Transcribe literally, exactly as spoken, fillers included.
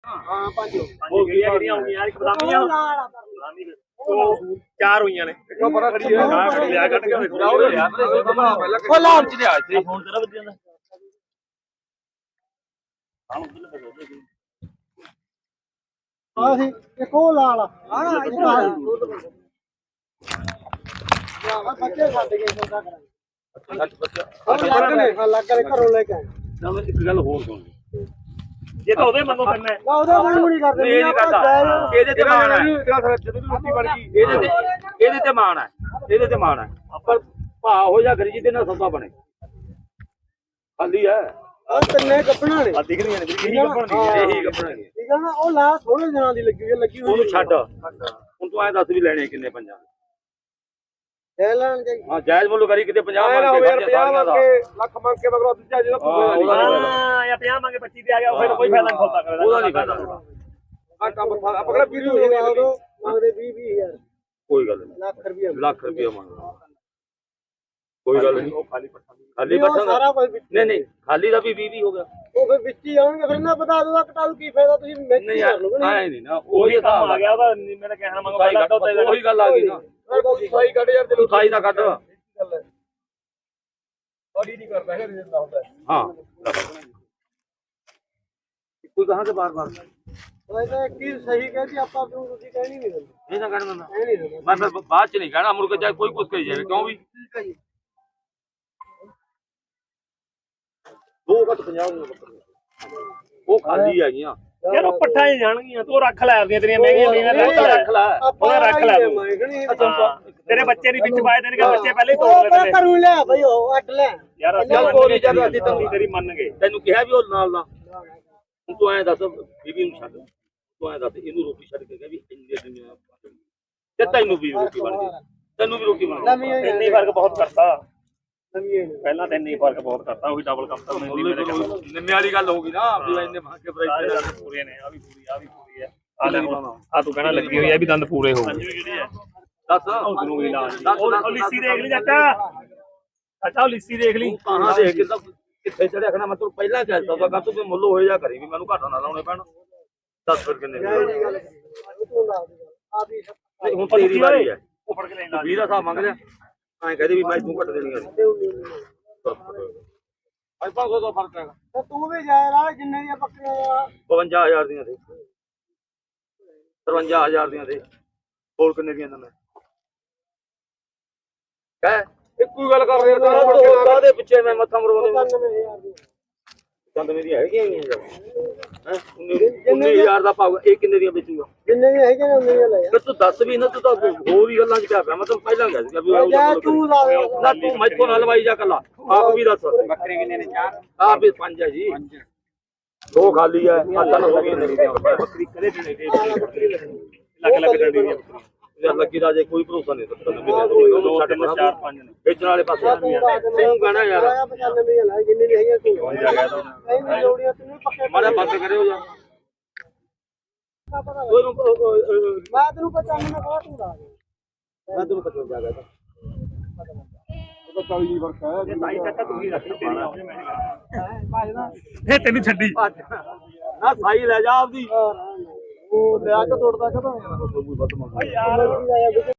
ਹਾਂ ਪੰਜ ਹੋ ਗਈਆਂ ਜਿਹੜੀਆਂ ਹੋਈਆਂ ਇੱਕ ਬਦਾਮੀਆਂ ਬਦਾਮੀ ਉਹ ਚਾਰ ਹੋਈਆਂ ਨੇ ਇੱਕੋ ਪਰਾ ਖੜੀ ਹੈ ਆ ਖੜੀ ਲਿਆ ਕੱਢ ਕੇ ਵੇਖੋ ਉਹ ਲਾਲ ਚ ਲਿਆ ਇੱਥੇ ਫੋਨ ਤੇਰਾ ਵੱਜ ਜਾਂਦਾ ਆ ਸੀ ਇੱਕ ਉਹ ਲਾਲ ਹਾਂ ਇੱਧਰ ਆ ਆ ਬੱਚੇ ਛੱਡ ਗਏ ਸੌਦਾ ਕਰਾਂਗੇ ਅੱਛਾ ਬੱਚਾ ਉਹ ਲੱਗ ਨੇ ਹਾਂ ਲੱਗ ਨੇ ਘਰੋਂ ਲੈ ਕੇ ਆਏ ਨਾ ਮੈਂ ਇੱਕ ਗੱਲ ਹੋਰ ਸੁਣ ਜੇ ਤਾਂ ਉਹਦੇ ਮੰਗੋ ਕਰਨਾ ਨਾ ਉਹਦਾ ਮਨ ਨਹੀਂ ਕਰਦੇ ਇਹ ਨਹੀਂ ਕਰਦਾ ਇਹਦੇ ਤੇ ਮਾਣ ਹੈ ਜਦੋਂ ਵੀ ਰੋਟੀ ਬਣ ਗਈ ਇਹਦੇ ਤੇ ਇਹਦੇ ਤੇ ਮਾਣ ਹੈ ਇਹਦੇ ਤੇ ਮਾਣ ਹੈ ਆਪਾਂ ਭਾ ਹੋ ਜਾ ਗਰੀ ਜਿਹਦੇ ਨਾਲ ਸੌਦਾ ਬਣੇ ਖਾਲੀ ਹੈ ਆ ਤਿੰਨੇ ਕੱਪਣਾ ਨੇ ਆ ਦਿਖ ਰਹੀਆਂ ਨੇ ਵੀ ਇਹੀ ਕੱਪਣ ਦੀ ਇਹੀ ਕੱਪਣ ਦੀ ਠੀਕ ਹੈ ਨਾ ਉਹ ਲਾ ਥੋੜੇ ਦਿਨਾਂ ਦੀ ਲੱਗੀ ਹੋਈ ਲੱਗੀ ਹੋਈ ਉਹਨੂੰ ਛੱਡ ਹੁਣ ਤੂੰ ਐਂ ਦੱਸ ਵੀ ਲੈਣੇ ਕਿੰਨੇ ਪੰਜਾਂ ਲੈ ਲੈਣ ਜਾਈ ਹਾਂ ਜਾਇਜ਼ ਮੁੱਲ ਕਰੀ ਕਿਤੇ ਪੰਜਾਹ ਨਾ ਮੰਗ ਹੋਵੇ ਕੇ ਪੰਜਾਹ ਮੰਗ ਕੇ ਲੱਖ ਮੰਗ ਕੇ ਮਗਰੋਂ ਦੂਜਾ ਜਿਹੜਾ ਹਾਂ ਜਾਂ ਪੰਜਾਹ ਮੰਗੇ ਪੱਚੀ ਤੇ ਆ ਗਿਆ ਫਿਰ ਕੋਈ ਫਾਇਦਾ ਨਹੀਂ ਸੌਦਾ ਕਰਦਾ ਉਹਦਾ ਨਹੀਂ ਫਾਇਦਾ ਆ ਕੰਮ ਆਪਾਂ ਕਿਹੜਾ ਵੀਹ ਹੋ ਗਿਆ ਉਦੋਂ ਮੰਗਦੇ ਵੀਹ ਵੀਹ ਹਜ਼ਾਰ ਕੋਈ ਗੱਲ ਨਹੀਂ ਲੱਖ ਰੁਪਏ ਲੱਖ ਰੁਪਏ ਮੰਗਦਾ ਕੋਈ ਗੱਲ ਨਹੀਂ ਖਾਲੀ ਪੱਠਾ ਖਾਲੀ ਉਹ ਪੱਠਾ ਸਾਰਾ ਕੁਝ ਵਿੱਚ ਨਹੀਂ ਨਹੀਂ ਖਾਲੀ ਦਾ ਵੀ ਵੀਹ ਵੀਹ ਹੋ ਗਿਆ ਉਹ ਫਿਰ ਵਿੱਚ ਹੀ ਆਉਣਗੇ ਫਿਰ ਨਾ ਬਤਾ ਦੋ ਕਟਾਲ ਕੀ ਫਾਇਦਾ ਤੁਸੀਂ ਮਿਕਸ ਨਹੀਂ ਕਰ ਲਓਗੇ ਆਏ ਨਹੀਂ ਨਾ ਉਹੀ ਕੰਮ ਆ ਗਿਆ ਉਹਦਾ ਮੇਰਾ ਕਹਿਣਾ ਮੰਗੋ ਪਹਿਲਾਂ ਉਹੀ ਗੱਲ ਆ ਗਈ ਨਾ ਸਾਈ ਕੱਢ ਯਾਰ ਤੂੰ ਸਾਈ ਦਾ ਕੱਢ ਬੜੀ ਨਹੀਂ ਕਰਦਾ ਹੈ ਜਿੰਦਾ ਹੁੰਦਾ ਹਾਂ ਕੋਈ ਕਹਾਂ ਤੇ ਬਾਰ ਬਾਰ ਉਹ ਇਹ ਕੀ ਸਹੀ ਕਹਿੰਦੀ ਆਪਾਂ ਨੂੰ ਤੁਸੀਂ ਕਹਿਣੀ ਨਹੀਂ ਦਿੰਦੇ ਇਹ ਨਾ ਕਹਿਣਾ ਮੈਂ ਕਹਿ ਨਹੀਂ ਦਿੰਦੇ ਮੈਂ ਫਿਰ ਬਾਅਦ ਚ ਨਹੀਂ ਕਹਿਣਾ ਮੁੜ ਕੇ ਚਾਹੇ ਕੋਈ ਕੁਝ ਕਹੀ ਜਾਵੇ ਕਿਉਂ ਵੀ ਠੀਕ ਹੈ ਜੀ ਦੋ ਘੱਟ ਪੰਜਾਹ ਉਹ ਖਾਲੀ ਹੈਗੀਆਂ ਯਾਰ ਉਹ ਪੱਠਾਂ ਹੀ ਜਾਣਗੀਆਂ ਤੂੰ ਰੱਖ ਲੈ ਆਪਦੀਆਂ ਤੇਰੀਆਂ ਮਹਿੰਗੀਆਂ ਮਹਿੰਗੀਆਂ ਰੱਖ ਲੈ ਉਹ ਰੱਖ ਲੈ ਤੇਰੇ ਬੱਚੇ ਦੀ ਵਿੱਚ ਪਾਏ ਦੇਣਗੇ ਬੱਚੇ ਪਹਿਲੇ ਹੀ ਤੋੜ ਲੈਂਦੇ ਕਰੂ ਲੈ ਬਈ ਉਹ ਅੱਟ ਲੈ ਯਾਰ ਚੱਲ ਕੋਈ ਨਹੀਂ ਚੱਲ ਅਸੀਂ ਤੈਨੂੰ ਤੇਰੀ ਮੰਨ ਗਏ ਤੈਨੂੰ ਕਿਹਾ ਵੀ ਉਹ ਨਾਲ ਦਾ ਤੂੰ ਐਂ ਦੱਸ ਬੀਬੀ ਨੂੰ ਛੱਡ ਤੂੰ ਐਂ ਦੱਸ ਇਹਨੂੰ ਰੋਟੀ ਛੱਡ ਕੇ ਗਿਆ ਵੀ ਇੰਨੇ ਦਿਨ ਤੇ ਤੈਨੂੰ ਵੀ ਰੋਟੀ ਬਣ ਗਈ ਤੈਨੂੰ ਵੀ ਰੋਟੀ ਬਣ ਗਈ ਇੰਨੀ ਫਰਕ ਬਹੁਤ ਕਰਤਾ ਪਹਿਲਾਂ ਤਾਂ ਇੰਨੀ ਫਰਕ ਬਹੁਤ ਕਰਤਾ ਉਹੀ ਡਬਲ ਕੰਮ ਤਾਂ ਨਿੰਮੇ ਵਾਲੀ ਗੱਲ ਹੋ ਗਈ ਨਾ ਵੀ ਇੰਨੇ ਮਹਿੰਗੇ ਪ੍ਰਾਈਸ ਪੂਰੇ ਨੇ ਆ ਵੀ ਪੂਰੀ ਆ ਵੀ ਪੂਰੀ ਆ ਆ ਲੈ ਆ ਤੂੰ ਕਹਿਣਾ ਲੱਗੀ ਹੋਈ ਆ ਵੀ ਦੰਦ ਪੂਰੇ ਹੋ ਗਏ ਦੱਸ ਤੈਨੂੰ ਵੀ ਲਾ ਉਹ ਲਿੱਸੀ ਦੇਖ ਲਈ ਚਾਚਾ ਅੱਛਾ ਉਹ ਲਿੱਸੀ ਦੇਖ ਲਈ ਕਹਾਂ ਦੇਖ ਕਿੱਦਾਂ ਕਿੱਥੇ ਚੜਿਆ ਖਣਾ ਮੈਂ ਤੈਨੂੰ ਪਹਿਲਾਂ ਕਹਿ ਦਿੱਤਾ ਤਾਂ ਤੂੰ ਮੁੱਲ ਹੋਏ ਜਾ ਕਰੀ ਵੀ ਮੈਨੂੰ ਘਾਟਾ ਨਾ ਲਾਉਣੇ ਪੈਣ ਦੱਸ ਫਿਰ ਕਿੰਨੇ ਨਹੀਂ ਹੁਣ ਤੇਰੀ ਵਾਰੀ ਹੈ ਉਹ ਫੜ ਕੇ ਲੈਣਾ ਵੀਹ ਦਾ ਹਿਸਾਬ ਮੰਗ ਲਿਆ ਐਂ ਕਹਦੇ ਵੀ ਮੈਂ ਤੂੰ ਘੱਟ ਦੇਣੀ ਆ ਅੱਜ ਪੰਜ ਸੌ ਦਾ ਫਰਕ ਹੈਗਾ ਤੇ ਤੂੰ ਵੀ ਜਾਇ ਰਾ ਜਿੰਨੇ ਦੀਆਂ ਬੱਕਰੀਆਂ ਬਵੰਜਾ ਹਜ਼ਾਰ ਦੀਆਂ ਦੇ ਤਰਵੰਜਾ ਹਜ਼ਾਰ ਦੀਆਂ ਦੇ ਹੋਰ ਕਿੰਨੇ ਦੀਆਂ ਦਿੰਦਾ ਕਹਿ ਇੱਕੋ ਹੀ ਗੱਲ ਕਰ ਰਹੇ ਕਾਹਦੇ ਕਾਹਦੇ ਪਿੱਛੇ ਮੈਂ ਮੱਥਾ ਮਰਵਾਉਂਦੇ ਪਚਾਨਵੇਂ ਹਜ਼ਾਰ ਦੀ ਚੰਦ ਮੇਰੀਆਂ ਹੈਗੀਆਂ ਹੀ ਹੈ ਉੱਨੀ ਹਜ਼ਾਰ ਦਾ ਪਾਊਗਾ ਇਹ ਕਿੰਨੇ ਦੀਆਂ ਵੇਚੂਗਾ ਜਿੰਨੇ ਦੀਆਂ ਹੈਗੀਆਂ ਨੇ ਉਹਨੇ ਦੀਆਂ ਲੈ ਤੇ ਤੂੰ ਦੱਸ ਵੀ ਨਾ ਤੂੰ ਤਾਂ ਹੋਰ ਹੀ ਗੱਲਾਂ ਚ ਕਿਆ ਪਿਆ ਮੈਂ ਤੈਨੂੰ ਪਹਿਲਾਂ ਕਹਿ ਦਿੱਤਾ ਵੀ ਜਾ ਤੂੰ ਲਾ ਦੇ ਨਾ ਤੂੰ ਮੈਥੋਂ ਨਾ ਲਵਾਈ ਜਾ ਕੱਲਾ ਆਪ ਵੀ ਦੱਸ ਬੱਕਰੇ ਕਿੰਨੇ ਨੇ ਚਾਰ ਆਪ ਵੀ ਪੰਜ ਹੈ ਜੀ ਦੋ ਖਾਲੀ ਹੈ ਆ ਤਿੰਨ ਹੋ ਗਈਆਂ ਮੇਰੀਆਂ ਬੱਕਰੀ ਕਦੇ ਵੀ ਨਹੀਂ ਲੱਗ ਲੱਗ ਡੰਡੀ ਦੀ ਯਾਰ ਲੱਗੀ ਦਾ ਜੇ ਕੋਈ ਭਰੋਸਾ ਨਹੀਂ ਦਿੱਤਾ ਦੋ ਤਿੰਨ ਚਾਰ ਪੰਜ ਨੇ ਵੇਚਣ ਵਾਲੇ ਪਾਸੇ ਤੂੰ ਕਹਣਾ ਯਾਰ ਪਚਾਨਵੇਂ ਦੀਆਂ ਲੈ ਜਿੰਨੇ ਦੀਆਂ ਹੈਗੀਆਂ ਤੂੰ ਨਹੀਂ ਲੋੜੀਆਂ ਤੂੰ ਪੱਕੇ ਮਾੜਾ ਬੰਦ ਕਰਿਓ ਜਾ ਮੈਂ ਤੈਨੂੰ ਪਚਾਨਵੇਂ ਕਹਾ ਤੂੰ ਲਾ ਦੇ ਮੈਂ ਤੈਨੂੰ ਪਚਵੰਜਾ ਕਹਤਾ ਉਹ ਤਾਂ ਚਾਲੀ ਫਰਕ ਹੈ ਇਹ ਸਾਈ ਚੱਕਾ ਤੂੰ ਹੀ ਰੱਖ ਤੇਰੀ ਆਉਣੇ ਮੈਂ ਭਾਜਦਾ ਇਹ ਤੈਨੂੰ ਛੱਡੀ ਨਾ ਸਾਈ ਲੈ ਜਾ ਆਪਦੀ ਉਹ ਲਿਆ ਕੇ ਤੋੜਦਾ ਕਦੋਂ ਕੋਈ ਵੱਧ ਮੰਗ ਯਾਰ